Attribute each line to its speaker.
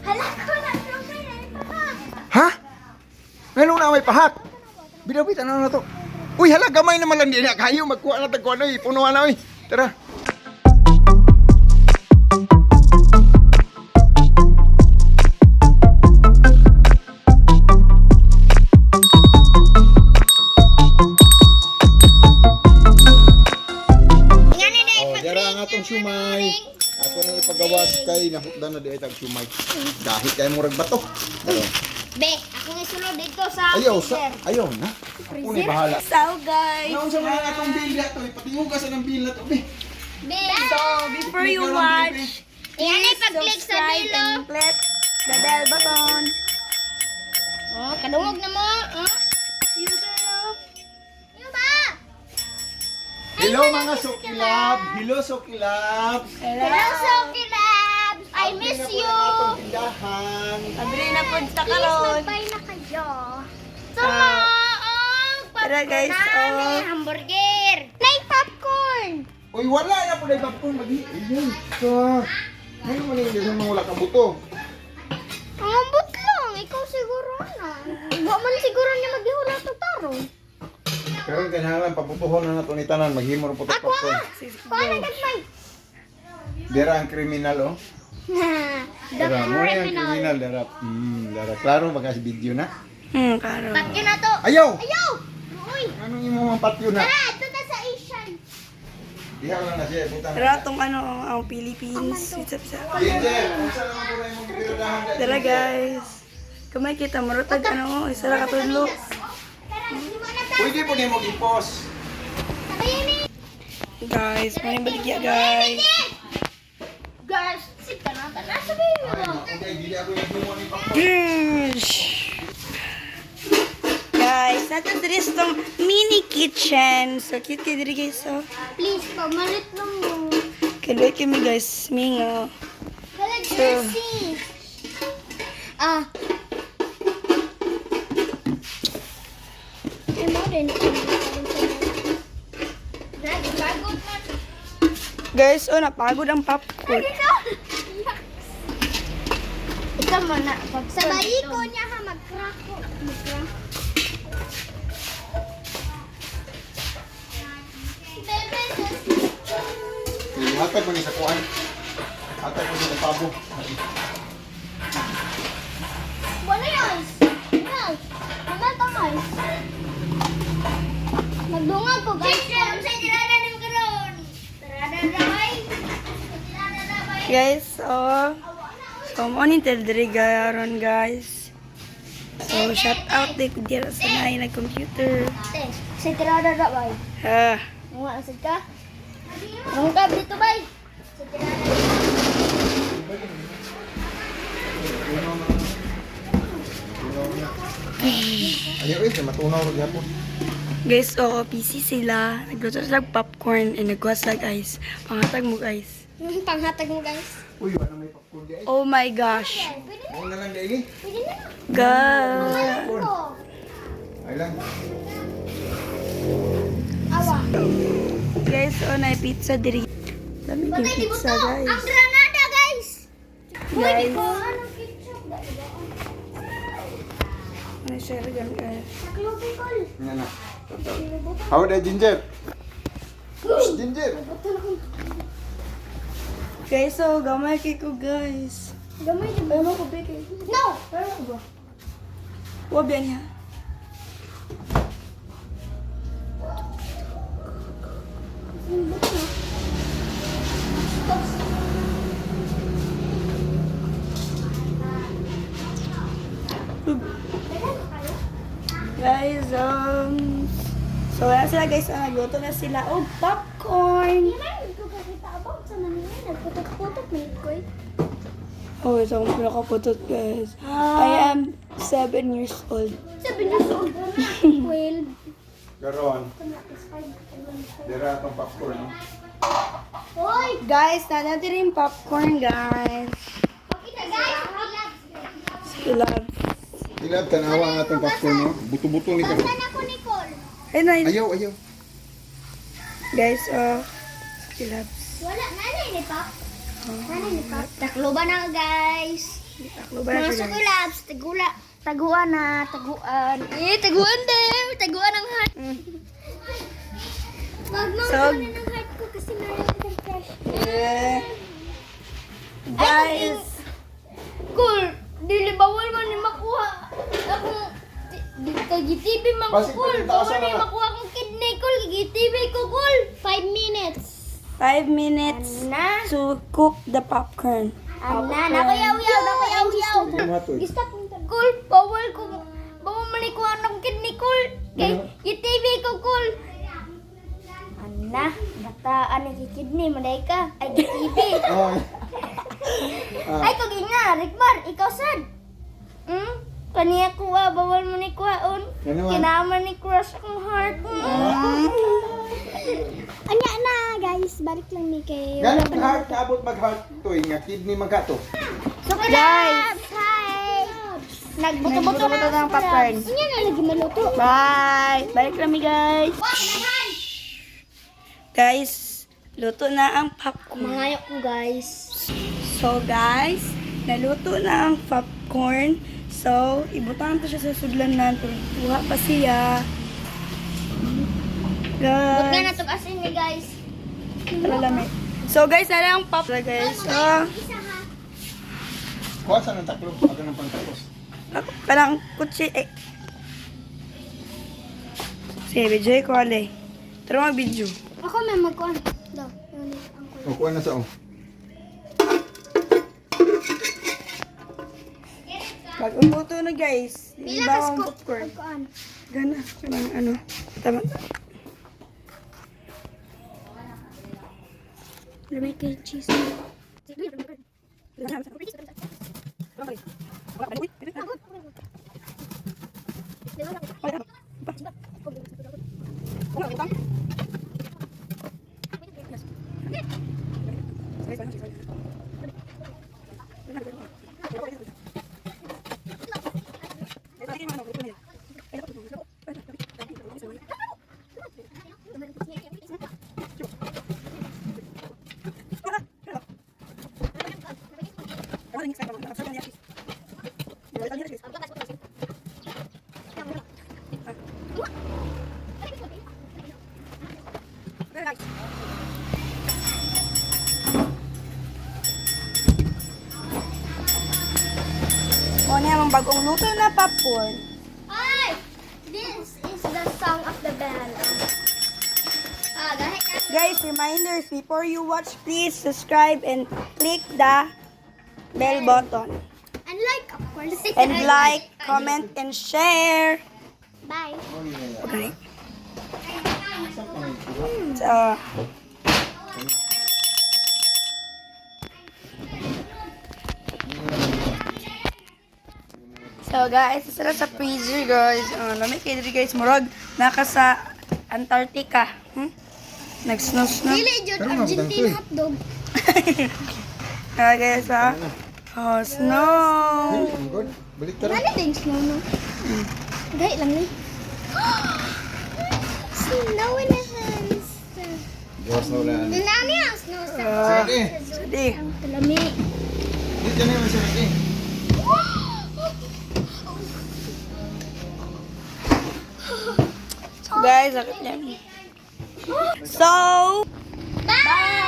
Speaker 1: Hala ko na, may pahak.
Speaker 2: Ha? Ngayon na may pahak. Bidawit, ano na to? Uy, hala, gamay naman lang din. Kayo, magkuha na tagkuha na. Punuhan na, uy. Tara. Oh, dara ang atong sumay. Ako na ipagawas kay nahutdan na di ay tag sumay. Dahil kay murag bato.
Speaker 1: Be, ako nga sunod dito sa
Speaker 2: Ayaw,
Speaker 1: freezer.
Speaker 2: ayaw na. Ako na bahala.
Speaker 3: So guys,
Speaker 2: Naon sa mga atong bill to, ipatihugas sa ng bill na to, be.
Speaker 1: Be,
Speaker 3: so before you watch,
Speaker 1: yan ay pag-click sa
Speaker 3: subscribe
Speaker 1: bilo.
Speaker 3: and click the bell button.
Speaker 1: Oh, kadungog na mo. Oh.
Speaker 3: You love.
Speaker 1: Yung ba?
Speaker 2: Hello mga sukilab. Hello sukilab.
Speaker 1: Hello, Soki Labs. I miss you.
Speaker 2: Tindahan.
Speaker 3: Abri na po sa
Speaker 1: Please,
Speaker 3: karon.
Speaker 1: mag-buy na kayo. Tama.
Speaker 3: Tara, guys,
Speaker 1: May hamburger. May popcorn.
Speaker 2: Uy, wala na po na ipapon. Ayun. So, ngayon man yung mga wala kang buto.
Speaker 1: Ang ambot lang. Ikaw siguro na. Huwag man siguro niya maghihula ito tarong.
Speaker 2: Pero yung kailangan paputuhon na nato ni tanan. Maghimo rin po ito
Speaker 1: Ako
Speaker 2: popcorn.
Speaker 1: Paano nagmay?
Speaker 2: Dera ang kriminal, oh.
Speaker 1: The
Speaker 2: Dera, mo yung
Speaker 1: criminal.
Speaker 2: kriminal. Dera, dera. Klaro, baka si video na.
Speaker 3: Karo.
Speaker 1: Patyo na to.
Speaker 2: Ayaw!
Speaker 1: Ayaw! Uy!
Speaker 2: Anong imo mga patyo na?
Speaker 1: Tara, ito na sa Asian.
Speaker 2: Diha lang na siya, butang.
Speaker 3: Tara tong ano ang Philippines. Isa.
Speaker 2: Ginger, kung saan naman po na yung piradahan dahil.
Speaker 3: Tara guys. Kamay kita marutag ano isa ra katudlo.
Speaker 1: Tara, di mo na tayo.
Speaker 2: Pwede po niyo mag-ipos.
Speaker 1: Sabayan ni.
Speaker 3: Guys, may baligya guys.
Speaker 1: Guys, sika na. Tara, sabayan mo.
Speaker 2: Okay, dili ako yung gumawa ni Papa.
Speaker 3: Yes. Guys, nato diri sa tong mini kitchen. So cute kay diri guys. So,
Speaker 1: Please, pamalit lang mo.
Speaker 3: kaloy kami guys, mingo.
Speaker 1: Hala, Jersey. Ah. Eh, mo din. Dad, pagod na.
Speaker 3: Guys, oh napagod ang popcorn.
Speaker 1: Ikaw muna. Sabayi ko niya ha, mag-crack ko. Mag-crack. Bebe,
Speaker 2: Hatag mo ni sa kuan. Hatag mo ni sa pabo.
Speaker 1: wala yun. Yes. Wala to, guys. Magdungag ko, guys. Siyempre, sa tirada ni mo karoon. Tirada na, bay. Tirada na, bay.
Speaker 3: Guys, so mo ni diri garon guys. So shout out di ko dira sa nay na computer.
Speaker 1: Ate, sa tirada na, bay.
Speaker 3: Ah,
Speaker 1: Mga asad ka? Mangkab dito, bay. Sa tirada na.
Speaker 2: Ayaw eh, matunaw ro gyapon.
Speaker 3: guys, PC sila. Nagluto sila og popcorn and nagwas sila guys. Pangatag mo guys.
Speaker 1: Panghatag mo, guys.
Speaker 2: Uy, wala may popcorn di ay.
Speaker 3: Oh my gosh.
Speaker 1: Pwede na.
Speaker 2: Mo na lang dai.
Speaker 1: Pwede na.
Speaker 3: God.
Speaker 1: Ito.
Speaker 2: Ay lang.
Speaker 1: Awa.
Speaker 3: Guys, na pizza diri. Dami yung
Speaker 1: Patay, di
Speaker 3: pizza
Speaker 1: buto.
Speaker 3: guys.
Speaker 1: Ang granada, guys.
Speaker 3: Guys.
Speaker 1: Anong ketchup?
Speaker 3: Ano siya rin guys.
Speaker 1: Naklubikol.
Speaker 2: Nga na. How the ginger? Ginger.
Speaker 3: Guys, so gamay kay ko guys.
Speaker 1: Gamay din.
Speaker 3: Ay mo ko beke.
Speaker 1: No!
Speaker 3: Pero ba? Wa ba niya? Guys, so wala sila guys, nagluto na sila. Oh, popcorn!
Speaker 1: Hindi ko kakita about sa nangyay. Nagputot-putot na ko eh.
Speaker 3: Oh, ito akong pinakaputot guys. I am 7 years old.
Speaker 1: 7 years old. 12.
Speaker 2: Garon. Dira atong popcorn. No?
Speaker 1: Hoy!
Speaker 3: Guys, natin rin popcorn guys.
Speaker 1: Pakita guys!
Speaker 3: Sila.
Speaker 2: Ilab tanawa ang atong popcorn no. Buto-buto ni karon.
Speaker 1: Saan ako, Nicole?
Speaker 3: Ay, na,
Speaker 2: Ayaw, ayaw.
Speaker 3: guys, sila.
Speaker 1: Wala. Nanay ni Pop. Nanay ni Pop. Takloban na guys.
Speaker 3: Taklo ba
Speaker 1: Mga
Speaker 3: siya, guys?
Speaker 1: sukulabs, taguan na, taguan. Taguan din. Taguan ang heart. Wag mo
Speaker 3: So-
Speaker 1: taguan ng heart ko kasi meron akong crush.
Speaker 3: Yeah. Guys,
Speaker 1: Cool. Dili bawal man ni makuha. Ako kay GTV man ko
Speaker 2: Basi
Speaker 1: cool.
Speaker 2: pa rin
Speaker 1: Bawal
Speaker 2: taasan
Speaker 1: ni
Speaker 2: na.
Speaker 1: makuha akong kidney cool. Kay GTV ko cool. 5 minutes.
Speaker 3: 5 minutes
Speaker 1: Na.
Speaker 3: to cook the popcorn.
Speaker 1: Ana, nakuyaw-yaw, nakuyaw-yaw.
Speaker 2: Matoy.
Speaker 1: Cool, bawal ko. Bawal man ni kuha ng kidney cool. Kay GTV ko cool. Ana, bataan ni kidney maday ka. Ay GTV.
Speaker 2: Oh.
Speaker 1: Ay kag nga, Rickmar, ikaw sad. Kaniya kuha, bawal mo ni kuhaon.
Speaker 2: Ano man?
Speaker 1: Kinaman ni crush akong heart. Anya na, guys. Balik lang ni kay...
Speaker 2: Ganang heart kaabot mag-heart toy nga kidney magkato.
Speaker 1: So, guys! Hi! Nagbuto-buto
Speaker 3: Nagbuto-buto ng popcorn.
Speaker 1: Anya na, lagi maluto.
Speaker 3: Bye! Balik kami, guys. Guys, luto na ang popcorn.
Speaker 1: Mahayok ko, guys.
Speaker 3: So, guys, naluto na ang popcorn. So, ibutan to siya sa sudlanan. Tuha pa siya.
Speaker 1: Huwag nga
Speaker 3: Guys,
Speaker 1: na asin ni guys.
Speaker 3: para lamig. So, guys, na ang popcorn, guys. So,
Speaker 1: Isa ha.
Speaker 2: Kuha sa ng taklo, aga ng pangtapos.
Speaker 3: parang kutsi, eh. Sige, video ko, ale. Tara mag-video.
Speaker 1: Ako may magkuhan. Daw.
Speaker 2: O, kuha na sa o.
Speaker 3: Pag-umuto na, guys.
Speaker 1: Pila
Speaker 3: Iba
Speaker 1: kas
Speaker 3: ang
Speaker 1: ko.
Speaker 3: popcorn.
Speaker 1: Magkuhan.
Speaker 3: Gana. Kanang ano. Tama.
Speaker 1: Lamay kay cheese.
Speaker 3: O niya, ang bagong luto na popcorn.
Speaker 1: Ay! This is the song of the band. Dahil ka.
Speaker 3: Guys, reminders, before you watch, please subscribe and click the bell button.
Speaker 1: And like, of course.
Speaker 3: And like, comment, and share.
Speaker 1: Bye.
Speaker 3: Okay. So, guys, isa sa freezer, guys. Lamig kayo dito, guys. Murag, naka sa Antarctica. Nag-snow-snow.
Speaker 1: Dili, Jud,
Speaker 2: Pero
Speaker 1: Argentine
Speaker 2: mabang
Speaker 1: hotdog.
Speaker 3: Guys, oh, snow.
Speaker 2: Ang good. Balik tara.
Speaker 1: Ano din snow, no? Gay lang ni. Snow in the hands.
Speaker 2: Gawas na ulan.
Speaker 1: Dinami ang snow sa
Speaker 2: Sige.
Speaker 3: Sige.
Speaker 1: ang kalami.
Speaker 2: Dito na yung sarap eh.
Speaker 3: So, guys, sakit yan. So,
Speaker 1: Bye!